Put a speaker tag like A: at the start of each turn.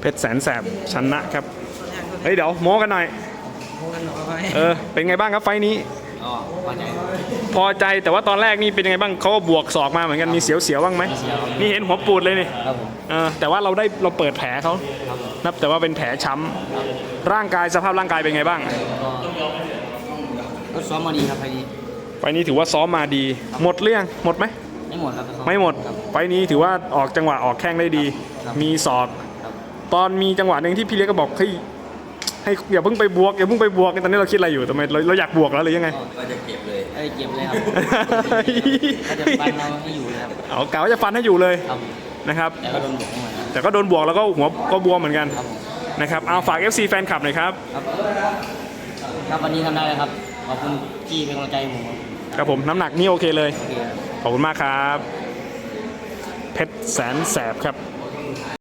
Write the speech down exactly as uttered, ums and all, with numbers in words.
A: เพชรแสนแสบชนะครับเฮ้ยเดี๋ยวโม้กันหน่อยเออเป็นไงบ้างครับไฟนี้
B: อ๋อพอใจ
A: พอใจแต่ว่าตอนแรกนี่เป็นยังไงบ้างเขาก็บวกศอกมาเหมือนกันมีเสียวๆบ้างไหมนี่เห็นหัวปูดเลยนี่
B: ครับผม
A: เออแต่ว่าเราได้เราเปิดแผลเขานับแต่ว่าเป็นแผลช้ำร่างกายสภาพร่างกายเป็นไงบ้าง
B: ก็ซ้อมมาดีครับไฟนี้
A: ไฟนี้ถือว่าซ้อมมาดีหมดเรื่องหมดไหม
B: ไม่หมดครับ
A: ไม่หมดไฟนี้ถือว่าออกจังหวะออกแข้งได้ดีมีศอกตอนมีจังหวะหนึ่งที่พี่เล็กก็บอกเฮ้ยให้อย่าเพิ่งไปบวกอย่าเพิ่งไปบวกตอนนี้เราคิดอะไรอยู่ทำไมเราเราอยากบวกแล้วหรือยังไง
B: ก็จะเก็บเลยเอ้ยเก็บเลยครับก็จะฟันเราให้อยู่ครับ
A: เอากะว่าจะฟันให้อยู่เลยนะครับแต่ก็โดนบวกแล้วก็หัวก็บวมเหมือนกันนะครับเอาฝาก เอฟ ซี แฟนคลับหน่อยครับ
B: ครับวันนี้ทำได้เลยครับขอบคุณที่เป็นกำลังใจผม
A: ครับผมน้ำหนักนี่โอเคเลยขอบคุณมากครับเพชรแสนแสบครับ